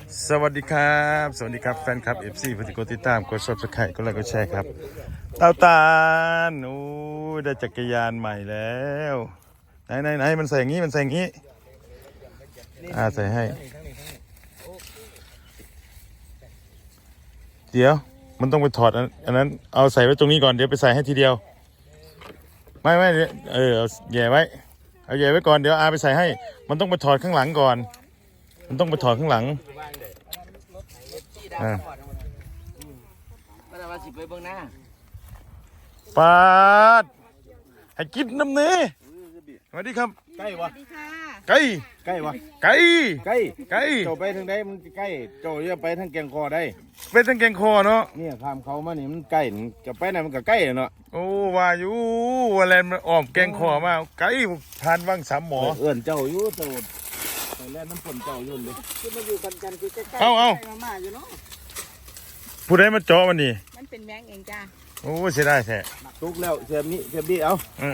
สวัสดีครับสวัสดีครับแฟนคลับ FC ผู้ที่กดติดตามกด Subscribe กดไลค์กดแชร์ครับเต้าตาลโอ้ยได้จักรยานใหม่แล้วไหนมันใส่อย่างนี้ใส่ให้เดี๋ยวมันต้องไปถอดอันนั้นเอาใส่ไว้ตรงนี้ก่อนเดี๋ยวไปใส่ให้ทีเดียวไม่เอาแย่ไว้เอาแย่ไว้ก่อนเดี๋ยวอาไปใส่ให้มันต้องไปถอดข้างหลังก่อนมันต้องไปถอดข้างหลังปาดให้กินน้ำเนื้อสวัสดีครับใกล้วะไก่ใกล้วะไก่เจ้าไปทางใดมันใกล้เจ้าจะไปทางแกงคอได้เป็นตั้งแกงคอเนาะเนี่ยข้ามเขามานี่มันใกล้จะไปไหนมันก็ใกล้เนาะโอ้ว่าอยู่ว่าแลนมันอ้อมแกงคอมาไก่ทานว่างสามหมอเอื้อนเจ้าอยู่เจ้าไปแล่นน้ำฝนเจ้ายุ่นเลยคือมาอยู่กันคือใกล้ๆเอามาอยู่เนาะผู้ใดมาเจาะมันนี่มันเป็นแมงเองจ้าโอ้เสียดายแท้ทุกแล้วเสียบนี้เสียบดีเอา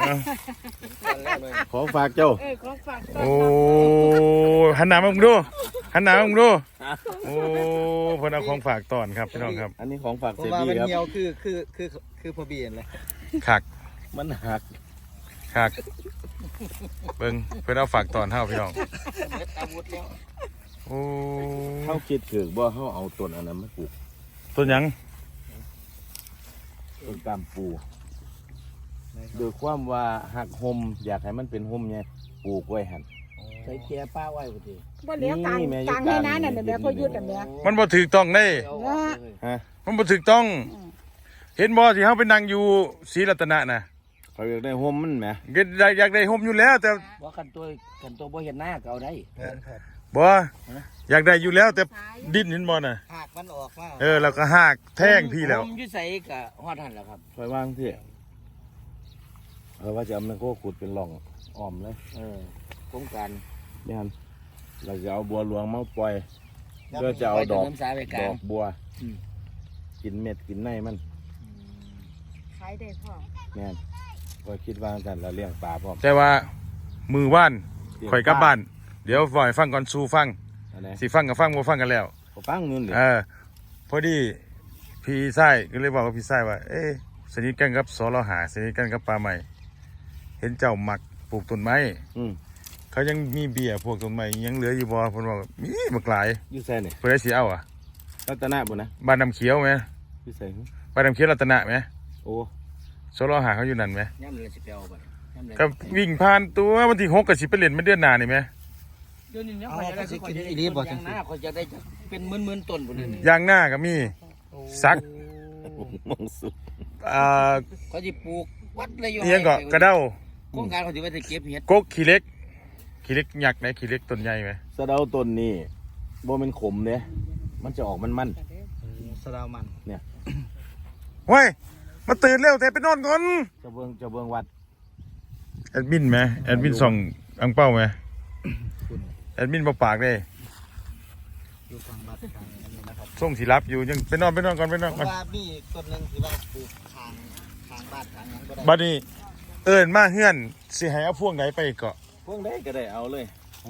ขอฝากเจ้าของฝากโอ้หันหน้ามาดูโอ้เพิ่นเอาของฝากตอนครับพี่น้องครับอันนี้ของฝากเสียบดีครับเหี่ยวคือพอเบียนเลยคักมันหักเบิ่งเพิ่นเอาฝากตอนเฮาพี่น้องโอ้เขาคิดถึงว่าเขาเอาต้นอันนั้นมาปลูกต้นหยังต้นกามปูโดยความว่าหักหมอยากให้มันเป็นหมไงปลูกไว้หันใส่เกียร์ป้าไว้พอดีบ่เลี้ยงกลางให้น้านั่นแบบพอยุดแบบเนี้ยมันบ่ถูกต้องได้มันบ่ถูกต้องเห็นบ่ที่เฮาไปนั่งอยู่ศรีรัตนะน่ะเขาอยากได้หมมันแหมอยากได้หมอยู่แล้วแต่ว่ากันตัวบ่เห็นหน้าก็เอาได้บ่อยากได้อยู่แล้วแต่ดิ้นเห็นบ่น่ะหากมันออกมาแล้วก็หากแท่งพี่แล้วผมอยู่ใส่ก็ฮอดหั่นแล้วครับคอยวางที่ว่าจะเอามันก็ขุดเป็นหล่องอ้อมเลยโครงการนี่ฮันเราจะเอาบัวหลวงมาปล่อยเพื่อจะเอาดอกบัวกินเม็ดกินในมันขายได้พ่อแม่นก็คิดว่ากันเราเลี้ยงปลาพร้อมแต่ว่ามือว่านข่อยกลับบ้านเดี๋ยวฝ่ายฟังก่อนสู่ฟังสิฟังกับฟังบ่ฟังกันแล้วฟังนู่นเลยพอดีพี่ไส้ก็เลยบอกว่าพี่ไส้ว่าสนิทกันกับสรหาสนิทกันกับปลาใหม่เห็นเจ้าหมักปลูกต้นไม้เขายังมีเบี้ยพวกต้นไม้ยังเหลืออยู่บ่เพิ่นบอกมีบักหลายอยู่ใส่นี่เพิ่นได้สิเอารัตนะบ่นะบ้านน้ำเขียวมั้ยอยู่ใส่บ้านน้ำเขียวรัตนะมั้ยโอ้สรหาเขาอยู่นั่นมั้ยย่ำเลยสิไปเอาบ่ก็วิ่งผ่านตัววันที่6ก็สิไปเล่นมาเดือนหน้านี่มั้ยเดี๋ยวนี้ยังเขาจะกินอีหลีบ่จังซี่เขาจะได้เป็นหมื่นๆต้นพุ่นนี่ยางหน้าก็มีสักมองสุดเขาสิปลูกวัดเลยอยู่เอียงก็กระเด้าโครงการเขาสิว่าจะเก็บเห็ดกกขี้เล็กยักษ์ไหนขี้เล็กต้นใหญ่มั้ยสะเดาต้นนี่บ่เป็นขมเด้มันจะออกมันสะเดามันเนี่ยเฮ้ยมาตื่นเร็วแต่ไปนอนก่อนจะเบิ่งวัดแอดมินไหมแอดมินส่องอังเป้าไหมแอดมินมาปากเลยส่งสีรับอยู่ยังไปนอนก่อนว่ามีต้นนึงที่ว่าปลูกทางบ้านทางนั้นก็ได้บัดนี้มาเฮือนสิให้เอาพวงไหนไปเกาะพวงไหนก็ได้เอาเลย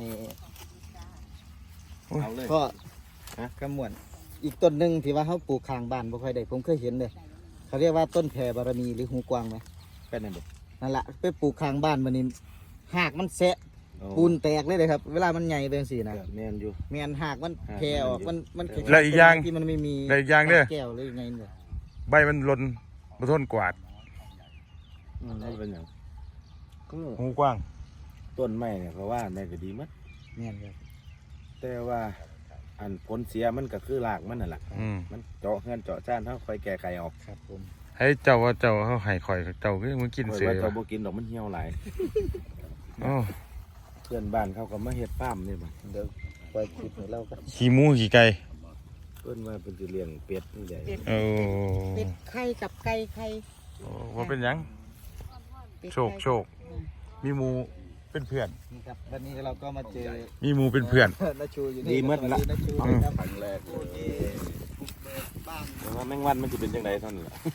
ก็กระมวลอีกต้นนึงที่ว่าเขาปลูกข้างบ้านบ่ค่อยได้ผมเคยเห็นเลยเขาเรียกว่าต้นแผ่บารมีหรือหูกวางไหมเป็นนั่นเด็กนั่นแหละไปปลูกข้างบ้านมันนี่หากมันแสะปูนแตกเลยครับเวลามันใหญ่เป็นสีนะแมนอยู่แมนหากมันแผ่ออกมันและอีกอย่างที่มันไม่มีและอีกอย่างเนี่ยแก้วเลยไงเนี่ยใบมันหล่นมาทนกวาดนั่นเป็นอย่างหูกว้างต้นไม้เนี่ยเพราะว่าในก็ดีมั้ยแมนครับแต่ว่าอันผลเสียมันก็คือรากมันนั่นแหละมันเจาะเงื่อนเจาะจ้านเขาคอยแก้ไขออกครับผมให้เจ้าว่าเจ้าเขาให้ข่อยเจ้าก็มึงกินเสือเจ้าบ่กินดอกมันเหี่ยวหลายเพื่อนบ้านเขาก็มาเฮ็ดฟาร์มนี่บ่เดี๋ยวปล่อยคิดให้เราก็ขี้หมูขี้ไก่เพิ่นว่าเป็นสิเลี้ยงเป็ดนี่ใหญ่เป็ดไข่กับไก่ไข่ว่าเป็นยังโชคมีหมูเป็นเพื่อนนี่ครับวันนี้เราก็มาเจอมีหมูเป็นเพื่อนดีมากละครั้งแรกแต่ว่าแมงวันมันจะเป็นยังไงเท่านั้นแหละ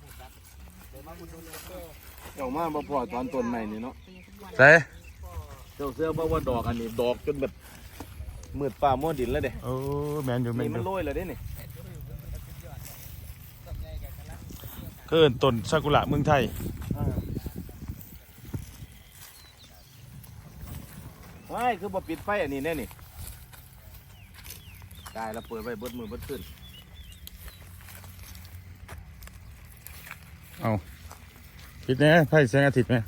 เจ้ามาบ่พอตอนต้นใหม่นี่เนาะใช่เจ้าเสื้อบอกว่าดอกอันนี้ดอกจนแบบมืดฟ้ามัวดินแล้วเด้โอ้แมนอยู่แมนนี่อมันยู่โรยแล้วเด้นี่เกินต้นซากุระเมืองไทยว้ายคือบ่ปิดไฟอันนี้แน่นี่ได้แล้วเปิดไว้เบิดมือเบิดขึ้นเอาปิดแน่ไฟแสงอาทิตย์ไหม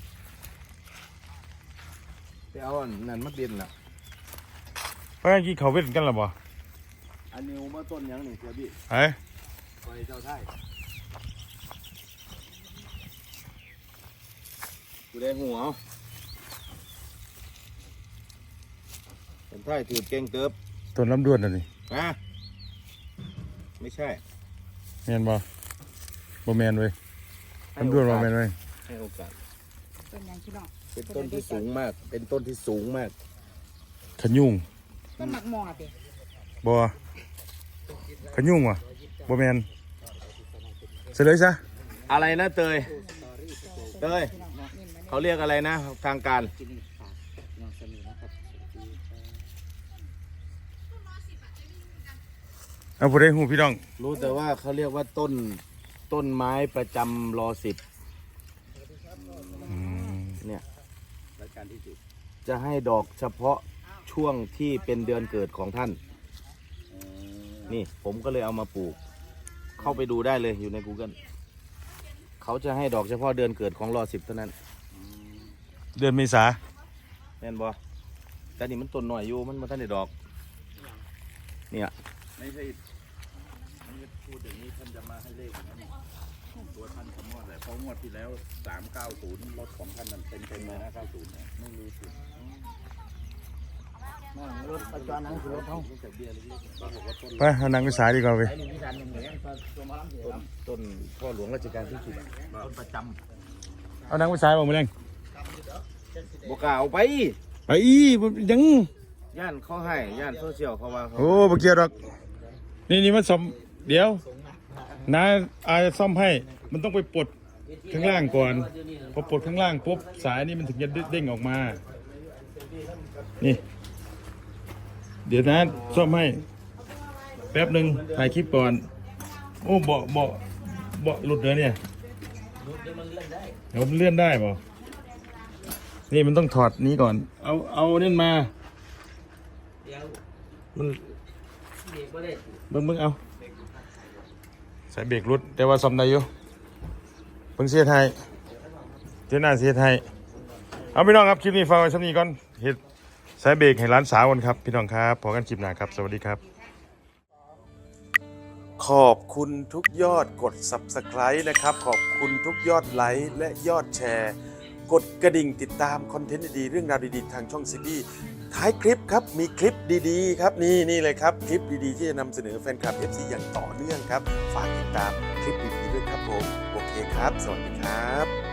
ไปเอาอันนั้นมาเด่นล่ะเพราะกี้เขาเว้นกันหรอบ่อันนี้มาต้นหยังนี่เสียบี้เอ้ยไฟเจ้าไทยกูได้หัวเป็นไทยถือเก่งเติบต้นลำดวนน่ะนี่นะไม่ใช่แมนบ่บ่แมนเว้ยลำดวนบ่แมนเว้ยให้โอกาสเป็นยังพี่น้องเป็นต้นที่สูงมาก เป็นต้นที่สูงมากขยุ่งต้นหมักหมอดดิบ่ขยุ่งว่ะบ่แมนเสร็จเลยซะอะไรนะเตย เตย เขาเรียกอะไรนะ ทางการเอาผู้ใดฮู้พี่น้องรู้แต่ว่าเขาเรียกว่าต้นไม้ประจำรอ10เนี่ยจะให้ดอกเฉพาะช่วงที่เป็นเดือนเกิดของท่าน นี่ผมก็เลยเอามาปลูก เข้าไปดูได้เลยอยู่ใน Google เขาจะให้ดอกเฉพาะเดือนเกิดของรอ10เท่านั้นเดือนเมษาแม่นบ่แต่นี่มันต้นหน่อยอยู่มันมาท่านได้ดอก เนี่ยไม่ใช่พูดอย่างนี้ท่านจะมาให้เลขนะตัวท่านคำนวณแหละเพราะงวดที่แล้ว390รถของท่านนั้นเต็มเลยนะ90เนี่ยไม่มีสิรถประจรนั้นคือรถเฮาไปเอานางวิสาดีกว่าเว้ยต้นพ่อหลวงรัชกาลที่10ต้นประจเอานางวิสาบ่มื้อแรงำบกล้าเอาไปไปอีบ่ยังย่านเขาให้ย่านโซเชียลเขาว่าเขาโอ้บ่เกี่ยวดอกนี่มันซ่อมเดี๋ยวน้าอาจะซ่อมให้มันต้องไปปลดข้างล่างก่อนพอปลดข้างล่างปุ๊บสายนี่มันถึงจะเด้งออกมานี่เดี๋ยวนะซ่อมให้แป๊บหนึ่งถ่ายคลิปก่อนโอ้เบาะหลุดเลยเนี่ยเดี๋ยวมันเลื่อนได้ป่ะนี่มันต้องถอดนี้ก่อนเอาเนี่ยมามันเบิ่งเอาใส่เบรกรุดแต่ว่าซ่อมได้อยู่เพิ่งเสียไทยเจ้าหน้าเสียไทยเอาพี่น้องครับคลิปนี้ฟังไว้สักนี้ก่อนเห็ดใส่เบรกให้ร้านสาวกันครับพี่น้องครับพอกันคลิปหน้าครับสวัสดีครับ ขอบคุณทุกยอดกด Subscribe นะครับขอบคุณทุกยอดไลค์และยอดแชร์กดกระดิ่งติดตามคอนเทนต์ดีๆเรื่องราวดีๆทางช่องซีบีท้ายคลิปครับมีคลิปดีๆครับนี่เลยครับคลิปดีๆที่จะนำเสนอแฟนคลับ FC อย่างต่อเนื่องครับฝากติดตามคลิปดีๆด้วยครับผมโอเคครับสวัสดีครับ